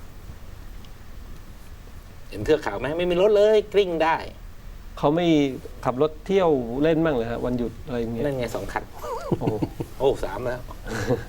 [SPEAKER 3] เห็นเทือกเขาไหมไม่มีรถเลยกลิ้งได้
[SPEAKER 2] เขาไม่ขับรถเที่ยวเล่นบ้างเลยฮะวันหยุดอะไรอย่างเงี้ย
[SPEAKER 3] นั่นไงสองคัน
[SPEAKER 2] โอ้
[SPEAKER 3] โอ้สามแล้ว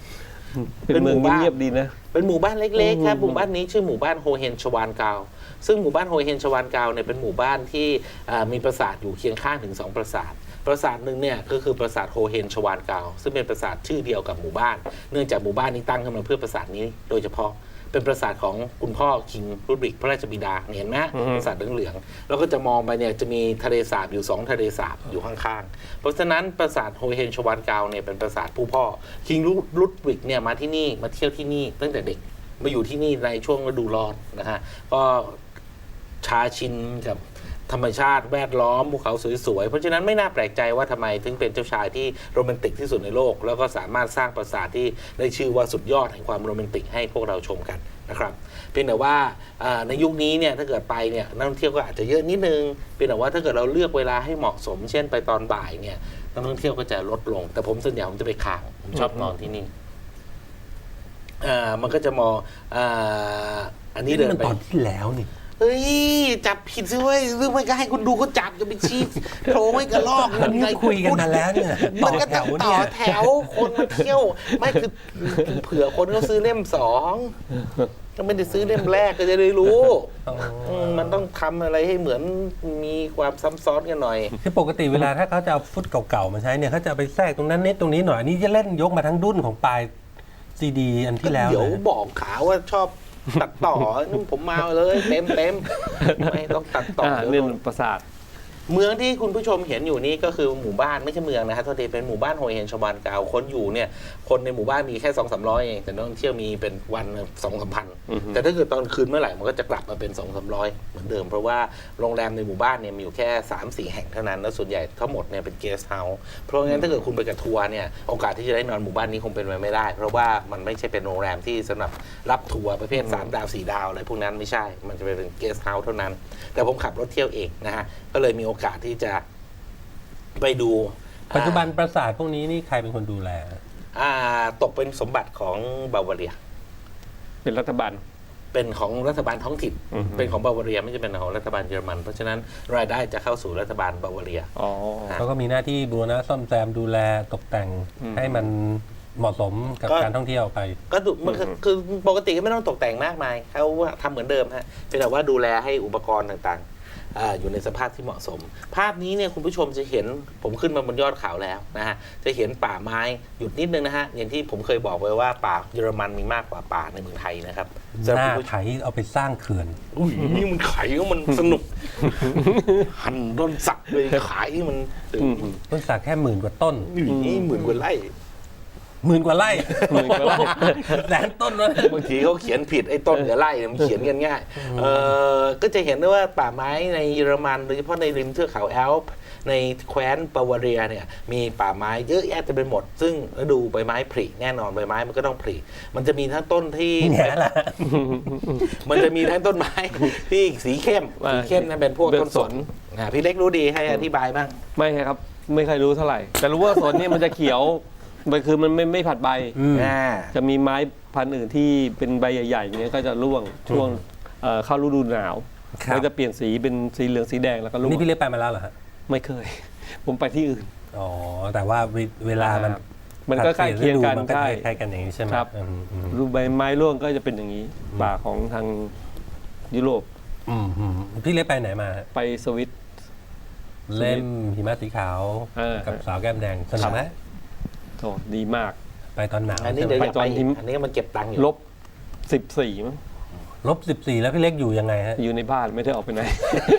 [SPEAKER 2] เป็นเมืองเงียบๆดีนะ
[SPEAKER 3] เป็นหมู่บ้านเล็กๆครับ
[SPEAKER 2] อืม
[SPEAKER 3] หมู่บ้านนี้ชื่อหมู่บ้านโฮเฮนชวานกาวซึ่งหมู่บ้านโฮเฮนชวานกาวเนี่ยเป็นหมู่บ้านที่อ่ามีปราสาทอยู่เคียงข้างถึงสองปราสาทปราสาทหนึ่งเนี่ยก็คือปราสาทโฮเฮนชวานกาวซึ่งเป็นปราสาทชื่อเดียวกับหมู่บ้าน เนื่องจากหมู่บ้านนี้ตั้งขึ้นมาเพื่อปราสาทนี้โดยเฉพาะเป็นปราสาทของคุณพ่อคิงรุดริกพระราชบิดาเห็นไหม
[SPEAKER 2] อือฮึ
[SPEAKER 3] ปราสาทเหลืองๆแล้วก็จะมองไปเนี่ยจะมีทะเลสาบอยู่สองทะเลสาบอยู่ข้างๆเพราะฉะนั้นปราสาทโฮเฮนชวานกาวเนี่ยเป็นปราสาทผู้พ่อคิงรุดริกเนี่ยมาที่นี่มาเที่ยวที่นี่ตั้งแต่เด็กมาอยู่ที่นี่ในช่วงฤดูร้อนนะฮะก็ชาชินกับธรรมชาติแวดล้อมภูเขาสวยๆเพราะฉะนั้นไม่น่าแปลกใจว่าทำไมถึงเป็นเจ้าชายที่โรแมนติกที่สุดในโลก แล้วก็สามารถสร้างปราสาทที่ได้ชื่อว่าสุดยอดแห่งความโรแมนติกให้พวกเราชมกันนะครับเพียงแต่ว่าอ่าในยุคนี้เนี่ยถ้าเกิดไปเนี่ยนักท่องเที่ยวก็อาจจะเยอะนิดนึงเพียงแต่ว่าถ้าเกิดเราเลือกเวลาให้เหมาะสม เช่นไปตอนบ่ายเนี่ยนักท่องเที่ยวก็จะลดลง แต่ผมส่วนใหญ่ผมจะไปค้างผมชอบนอนที่นี่อ่ามันก็จะมองอ่าอันนี้
[SPEAKER 1] นี่
[SPEAKER 3] เดิน
[SPEAKER 1] มัน
[SPEAKER 3] ไป
[SPEAKER 1] ตอนที่แล้วนี่
[SPEAKER 3] เฮ้ยจับผิดสิเว้ยหรือไม่ก็ให้คุณดูเขาจับจะไปชี้โผล่ไม่กระลอก
[SPEAKER 1] อันนี้คุยกันมาแล้วเนี่ย
[SPEAKER 3] มันก็
[SPEAKER 1] ต่
[SPEAKER 3] ต้
[SPEAKER 1] อ
[SPEAKER 3] อง
[SPEAKER 1] แถว
[SPEAKER 3] ต่
[SPEAKER 1] เนี่
[SPEAKER 3] อย แถวคนมาเที่ยวไม่คือเผื่อคนเขาซื้อเล่มสองก็ไม่ได้ซื้อเล่มแรกก็จะได้รู้
[SPEAKER 1] อ๋อ
[SPEAKER 3] มมันต้องทำอะไรให้เหมือนมีความซ้ำซ้อนกันหน่อย
[SPEAKER 1] คือปกติเวลาถ้าเขาจะเอาฟุตเก่าๆมาใช้เนี่ยเขาจะเอาไปแทรกตรงนั้นนิดตรงนี้หน่อยอันนี้จะเล่นยกมาทั้งดุ้นของปลายซีดีอันที่แล้ว
[SPEAKER 3] เดี๋ยว
[SPEAKER 1] เลย
[SPEAKER 3] บอกขาว่าชอบตัดต่อนุ่มผมมาเลยเต็มเต็มไม่ต้องตัดต่อ
[SPEAKER 2] อ่า
[SPEAKER 3] เดี๋ยว
[SPEAKER 2] เรื่อง
[SPEAKER 3] โดน
[SPEAKER 2] ปราสาท
[SPEAKER 3] เมืองที่คุณผู้ชมเห็นอยู่นี่ก็คือหมู่บ้านไม่ใช่เมืองนะฮะโทษทีเป็นหมู่บ้านโฮเฮนชวานกาวคนอยู่เนี่ยคนในหมู่บ้านมีแค่สองสามร้อยเองแต่นักท่องเที่ยวมีเป็นวันสองสามพัน
[SPEAKER 2] อือฮึ
[SPEAKER 3] แต่ถ้าเกิดตอนคืนเมื่อไหร่มันก็จะกลับมาเป็นสองสามร้อยเหมือนเดิมเพราะว่าโรงแรมในหมู่บ้านเนี่ยมีอยู่แค่สามสี่แห่งเท่านั้นแล้วส่วนใหญ่ทั้งหมดเนี่ยเป็นเกสต์เฮาส์เพราะงั้นถ้าเกิดคุณไปกับทัวร์เนี่ยโอกาสที่จะได้นอนหมู่บ้านนี้คงเป็นไปไม่ได้ เพราะว่ามันไม่ใช่เป็นโรงแรมที่สำหรับรับทัวร์ประเภทสามดาวสี่ดาวอะไรพวกนั้นไม่ใช่มันจะเป็นเกสต์เฮาส์เท่านั้น แต่ผมขับรถเที่ยวเองนะฮะก็เลยมีโอกาสที่จะไปดู
[SPEAKER 1] ปัจจุบันปราสาทพวกนี้นี่ใครเป็นคนดูแล
[SPEAKER 3] อ่าตกเป็นสมบัติของบาวาเรีย
[SPEAKER 2] เป็นรัฐบาล
[SPEAKER 3] เป็นของรัฐบาลท้องถิ่น
[SPEAKER 2] อือฮึ
[SPEAKER 3] เป็นของบาวาเรียไม่ใช่เป็นของรัฐบาลเยอรมัน เพราะฉะนั้นรายได้จะเข้าสู่รัฐบาลบาวาเรีย
[SPEAKER 2] อ๋อ
[SPEAKER 1] เขาก็มีหน้าที่บูรณะซ่อมแซมดูแลตกแต่ง
[SPEAKER 2] อืม
[SPEAKER 1] ให้มันเหมาะสมกับ
[SPEAKER 3] ก็
[SPEAKER 1] การท่องเที่ยวไป
[SPEAKER 3] ก็ดูมันคือคือปกติก็ไม่ต้องตกแต่งมากมายเขาทำเหมือนเดิมฮะเพียงแต่ว่าดูแลให้อุปกรณ์ต่างๆอ่าอยู่ในสภาพที่เหมาะสม ภาพนี้เนี่ยคุณผู้ชมจะเห็นผมขึ้นมาบนยอดเขาแล้วนะฮะจะเห็นป่าไม้หยุดนิดนึงนะฮะอย่างที่ผมเคยบอกไว้ว่าป่าเยอรมันมีมากกว่าป่าในเมืองไทยนะครับ
[SPEAKER 1] ห
[SPEAKER 3] สำหรับ
[SPEAKER 1] น้า
[SPEAKER 3] คุณผู้ช
[SPEAKER 1] ไถ
[SPEAKER 3] ม
[SPEAKER 1] เอาไปสร้างเขื่อน
[SPEAKER 3] อุ้ยนี่มันขายมันสนุก หันต้นสักเลยขายมัน
[SPEAKER 2] อืม
[SPEAKER 1] ต้นสักแค่หมื่นกว่าต้น
[SPEAKER 3] นี่หมื่นกว่าไร่
[SPEAKER 1] หมื่นกว่าไร่
[SPEAKER 2] หมื่นกว่าไร่
[SPEAKER 1] แสนต้นวะ
[SPEAKER 3] บางทีเขาเขียนผิดไอ้ต้นกับไร่เนี่ยมันเขียนกันง่ายเออก็จะเห็นได้ว่าป่าไม้ในเยอรมันโดยเฉพาะในริมเทือกเขาแอลป์ในแคว้นบาวาเรียเนี่ยมีป่าไม้เยอะแยะเต็มไปหมด ซึ่งฤดูใบไม้ผลิแน่นอนใบไม้มันก็ต้องผลิมันจะมีทั้งต้นที่
[SPEAKER 1] เนี่ยแหละ
[SPEAKER 3] มันจะมีทั้งต้นไม้ ที่สีเข้ม
[SPEAKER 2] ว่า
[SPEAKER 3] สีเข้มนั่นเป็นพวก
[SPEAKER 2] เป็น
[SPEAKER 3] ต้นสน
[SPEAKER 2] สน
[SPEAKER 3] อ่าพี่เล็กรู้ดีให้อธิบายบ้าง
[SPEAKER 2] ไม่ครับ ไม่เคยรู้เท่าไหร่ แต่รู้ว่าสนเนี่ยมันจะเขียวมันคือมันไม่ไม่ผัดใบ
[SPEAKER 1] อืม
[SPEAKER 3] อ่า
[SPEAKER 2] จะมีไม้พันธุ์อื่นที่เป็นใบใหญ่ๆอย่างเงี้ยก็จะร่วงช่วงเอ่อเข้าฤดูหนาว
[SPEAKER 1] ครับ
[SPEAKER 2] ก็จะเปลี่ยนสีเป็นสีเหลืองสีแดงแล้วก็ร่วง
[SPEAKER 1] นี่พี่เล็กไปมาแล้วเหรอฮะ
[SPEAKER 2] ไม่เคย ผมไปที่อื่น
[SPEAKER 1] อ๋อ แต่ว่าเวเวลามัน
[SPEAKER 2] มันก็ใกล้เคียงกัน
[SPEAKER 1] มันก็
[SPEAKER 2] ใช่
[SPEAKER 1] คล้ายๆกันอย่างนี้ใช่ไหม
[SPEAKER 2] ครับ
[SPEAKER 1] อืมอืม
[SPEAKER 2] รูปใบไม้ร่วงก็จะเป็นอย่างนี้ ป่าของทางยุโรป
[SPEAKER 1] อืมอืมพี่เล็กไปไหนมาฮะ
[SPEAKER 2] ไปสวิต
[SPEAKER 1] เล่มหิมะสีขาว
[SPEAKER 2] เออ
[SPEAKER 1] กับสาวแก้มแดงสนุกไหม
[SPEAKER 2] โอ้ดีมาก
[SPEAKER 1] ไปตอนหนาว
[SPEAKER 3] อันนี้
[SPEAKER 1] ใช่ไหม
[SPEAKER 3] เดี๋ยวจะ
[SPEAKER 2] ต
[SPEAKER 3] ไป
[SPEAKER 2] อน
[SPEAKER 3] อี
[SPEAKER 2] ที่
[SPEAKER 3] กอันนี้มันเก็บตังค์อยู่
[SPEAKER 2] ลบสิบสี่มั้ง
[SPEAKER 1] ลบสิบสี่แล้วพี่เล็กอยู่ยังไงฮะ
[SPEAKER 2] อยู่ในบ้านไม่ได้ออกไปไหน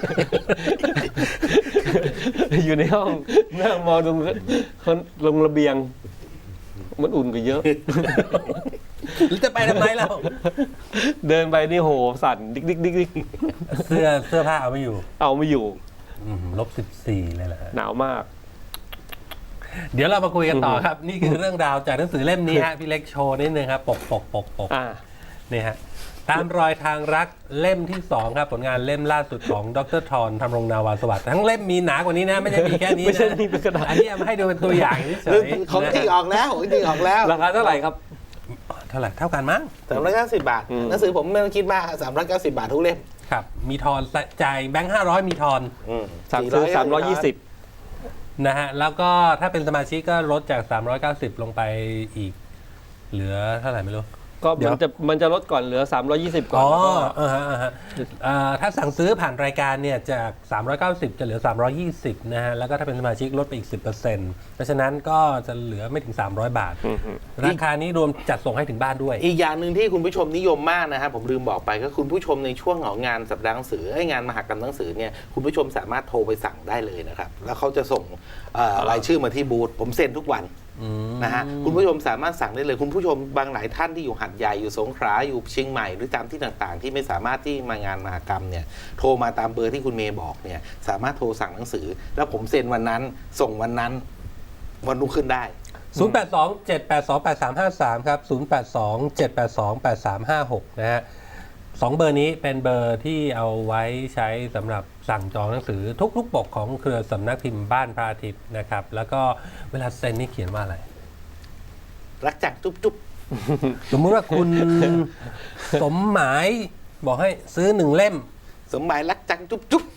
[SPEAKER 2] อยู่ในห้องนั่งมองตรงลงระเบียง มันอุ่นกว่าเยอะ
[SPEAKER 1] หรือจะไปทำไมเรา
[SPEAKER 2] เดินไปนี่โหสั่นดิกดิกดิกดิก
[SPEAKER 1] เสื้อเสื้อผ้าเอาไม่อยู่
[SPEAKER 2] เอาไม่อยู่
[SPEAKER 1] อืมลบสิบสี่เลยแหละฮะ
[SPEAKER 2] หนาวมาก
[SPEAKER 1] เดี๋ยวเรามาคุยกันต่อครับ นี่คือเรื่องราวจากหนังสือเล่มนี้ฮะพี่เล็กโชว์นิดนึงครับปกปกปกปก
[SPEAKER 2] อ่า
[SPEAKER 1] นี่ฮะตามรอยทางรักเล่มที่สองครับผลงานเล่มล่าสุดของดรทรธำรงนาวาสวัสดิ์ทั้งเล่มมีหนากว่านี้นะ ไม่ใช่มีแค่นี้
[SPEAKER 2] ไม่ใช่
[SPEAKER 1] นะ
[SPEAKER 2] มีเป็นกระดาษ
[SPEAKER 1] อันนี้เอามาให้ดูเป็นตัวอย่างเฉยๆ
[SPEAKER 3] ของจริงออกแล้วของจริงออกแล้ว
[SPEAKER 2] ราคาเท่าไหร่ครับ
[SPEAKER 1] เท่าไหร่เท่ากันมั้ง
[SPEAKER 3] สามร้อยเก้าสิบบาท
[SPEAKER 2] อืม
[SPEAKER 3] หนังสือผมไม่ต้องคิดมากสามร้อยเก้าสิบบาททุกเล่ม
[SPEAKER 1] ครับ มีทอนจ่ายแบงค์ห้าร้อยมีทอน
[SPEAKER 2] สั่งซื้อสามร้อยยี่สิบ
[SPEAKER 1] นะฮะแล้วก็ถ้าเป็นสมาชิกก็ลดจาก สามร้อยเก้าสิบ ลงไปอีกเหลือเท่าไหร่ไม่รู้
[SPEAKER 2] ก็
[SPEAKER 1] เดี๋ยว
[SPEAKER 2] มันจะมันจะลดก่อนเหลือ สามร้อยยี่สิบ ก่อน
[SPEAKER 1] อ๋อ
[SPEAKER 2] แล้วก็
[SPEAKER 1] เออฮะเออฮะเอ่อถ้าสั่งซื้อผ่านรายการเนี่ยจาก สามร้อยเก้าสิบ จะเหลือ สามร้อยยี่สิบ นะฮะ แล้วก็ถ้าเป็นสมาชิกลดไปอีก สิบเปอร์เซ็นต์ เพราะฉะนั้นก็จะเหลือไม่ถึง สามร้อย บาท ราคานี้รวมจัดส่งให้ถึงบ้านด้วย
[SPEAKER 3] อีกอย่างหนึ่งที่คุณผู้ชมนิยมมากนะครับผมลืมบอกไปก็คุณผู้ชมในช่วงของงานสัปดาห์หนังสือไอ้งานมหกรรมหนังสือเนี่ยคุณผู้ชมสามารถโทรไปสั่งได้เลยนะครับแล้วเขาจะส่งเอ่อรายชื่อมาที่บูธผมเซ็นทุกวันนะฮะคุณผู้ชมสามารถสั่งได้เลยคุณผู้ชมบางหลายท่านที่อยู่หัดใหญ่อยู่สงขลาอยู่เชียงใหม่หรือตามที่ต่างๆ ที่ไม่สามารถที่มางานมหกรรมเนี่ยโทรมาตามเบอร์ที่คุณเมย์บอกเนี่ยสามารถโทรสั่งหนังสือ แล้วผมเซ็นวันนั้นส่งวันนั้นวันรุ่งขึ้นได้
[SPEAKER 1] ศูนย์ แปด สอง เจ็ด แปด สอง แปด สาม ห้า สาม ครับ ศูนย์ แปด สอง เจ็ด แปด สอง แปด สาม ห้า หก นะฮะสองเบอร์นี้เป็นเบอร์ที่เอาไว้ใช้สำหรับสั่งจองหนังสือทุกลูกปกของเครือสำนักพิมพ์บ้านพระอาทิตย์นะครับ แล้วก็เวลาเซ็นนี่เขียนว่าอะไร
[SPEAKER 3] รักจักจุ๊บจุ๊บ
[SPEAKER 1] สมมุติว่าคุณ สมหมายบอกให้ซื้อหนึ่งเล่ม
[SPEAKER 3] สมหมายรักจังจุ๊บจุ๊บ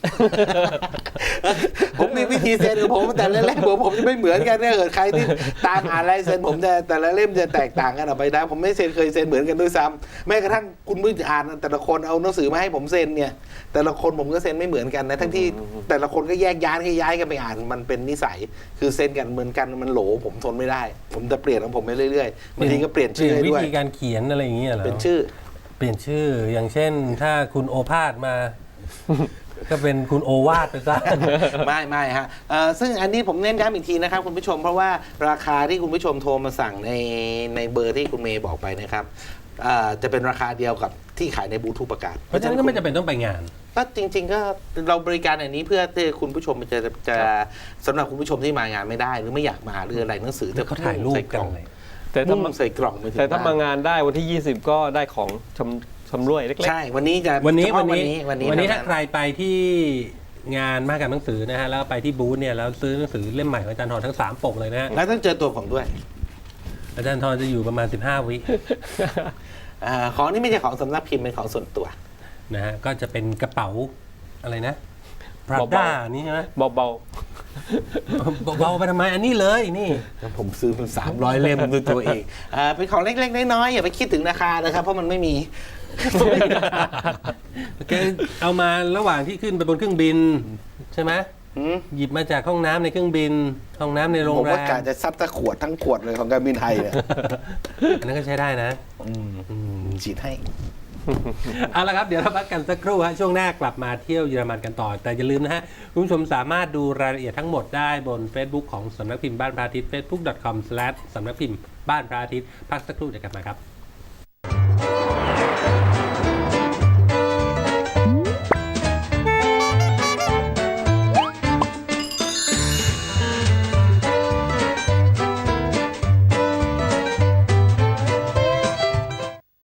[SPEAKER 3] ผมมีวิธีเซ็นของผมแต่ละเล่มผมผมจะไม่เหมือนกันถ้าเกิดใครที่ตามอ่านลายเซ็นผมจะแต่ละเล่มจะแตกต่างกันออกไปนะผมไม่เซ็นเคยเซ็นเหมือนกันด้วยซ้ำแม้กระทั่งคุณผู้อ่านแต่ละคนเอาหนังสือมาให้ผมเซ็นเนี่ยแต่ละคนผมก็เซ็นไม่เหมือนกันนะทั้งที่แต่ละคนก็แยกย้ายให้ย้ายกันไปอ่านมันเป็นนิสัยคือเซ็นกันเหมือนกันมันโหลผมทนไม่ได้ ผมจะเปลี่ยนของผมไปเรื่อยๆบางทีก็เปลี่ยนชื่อให้
[SPEAKER 1] วิ
[SPEAKER 3] ด้วย
[SPEAKER 1] ธีการเขียนอะไรอย่างเงี้ยเหรอ
[SPEAKER 3] เป็นชื่อ
[SPEAKER 1] เปลี่ยนชื่ออย่างเช่น ถ้าคุณโอภาสมา ก็เป็นคุณโอวาทไปซะ
[SPEAKER 3] ไม่ไม่ฮะเอ่อซึ่งอันนี้ผมเน้นย้ำอีกทีนะครับคุณผู้ชมเพราะว่าราคาที่คุณผู้ชมโทรมาสั่งในในเบอร์ที่คุณเมย์บอกไปนะครับเอ่อจะเป็นราคาเดียวกับที่ขายในบูธทุกประกาศ
[SPEAKER 1] เพราะฉะนั้นก็ไม่จำเป็นต้องไปงาน
[SPEAKER 3] ก็จริง ๆ ก็เราบริการอันนี้เพื่อที่คุณผู้ชมจะจะสำหรับคุณผู้ชมที่มางานไม่ได้หรือไม่อยากมาหรืออะไรหนังสือจะ
[SPEAKER 1] เขาถ่ายรูป
[SPEAKER 3] ใส่ก
[SPEAKER 1] กัน
[SPEAKER 3] ล่อง
[SPEAKER 1] เลย
[SPEAKER 2] แต่ถ้า
[SPEAKER 3] มุ่
[SPEAKER 2] มาง
[SPEAKER 3] ใส่กล่องไปถึง
[SPEAKER 2] แต่ถ้า
[SPEAKER 3] บ้
[SPEAKER 2] มาน งานได้วันที่ ยี่สิบ ก็ได้ของชำชำร่วยเล็ก
[SPEAKER 3] ใช่วันนี้จะ
[SPEAKER 1] วันนี้
[SPEAKER 3] เฉ
[SPEAKER 1] วั
[SPEAKER 3] พาะ
[SPEAKER 1] นนี้
[SPEAKER 3] วันนี้
[SPEAKER 1] วันนี้
[SPEAKER 3] เท่
[SPEAKER 1] ถ้าใครไปที่งานมหกรรมหนังสือนะฮะแล้วไปที่บูธเนี่ยแล้วซื้อหนังสือเล่มใหม่ของอาจารย์ทรทั้งสามปกเลยนะฮะ
[SPEAKER 3] แล้วต้องเจอตัวผมด้วย
[SPEAKER 1] อาจารย์ทรจะอยู่ประมาณสิบห้าวิ
[SPEAKER 3] อ่าของนี่ไม่ใช่ของสำนักพิมพ์เป็นของส่วนตัว
[SPEAKER 1] นะฮะก็จะเป็นกระเป๋าอะไรนะพรา
[SPEAKER 2] เบา
[SPEAKER 1] ด้านี่ใช่ไหม
[SPEAKER 2] ๆ เบา
[SPEAKER 1] เบาๆไปทำไมอันนี้เลยนี่
[SPEAKER 3] แล้วผมซื้อเป็นสามร้อยเล่มด้วยตัวเองอ่าเป็นของเล็กๆน้อยๆอย่าไปคิดถึงราคานะครับเพราะมันไม่มี
[SPEAKER 1] แกเอามาระหว่างที่ขึ้นไปบนเครื่องบินใช่ไหม
[SPEAKER 3] หืม
[SPEAKER 1] หยิบมาจากห้องน้ำในเครื่องบิน ห้องน้ำในโรง
[SPEAKER 3] ผม
[SPEAKER 1] แร
[SPEAKER 3] ว่าม การจะซัดตะขวดทั้งขวดเลยของการบินไทยเนี่ย
[SPEAKER 1] อันนั้นก็ใช้ได้นะ
[SPEAKER 3] อืม
[SPEAKER 1] อืม
[SPEAKER 3] ฉีดให้
[SPEAKER 1] เอาละครับ เดี๋ยวเราพักกันสักครู่ฮะช่วงหน้ากลับมาเที่ยวเยอรมันกันต่อ แต่อย่าลืมนะฮะ คุณผู้ชมสามารถดูรายละเอียดทั้งหมดได้บน Facebook ของสำนักพิมพ์บ้านพระอาทิตย์ เฟซบุ๊ก ดอท คอม สแลช สำนักพิมพ์บ้านพระอาทิตย์พักสักครู่เดี๋ยวกลับมาครับ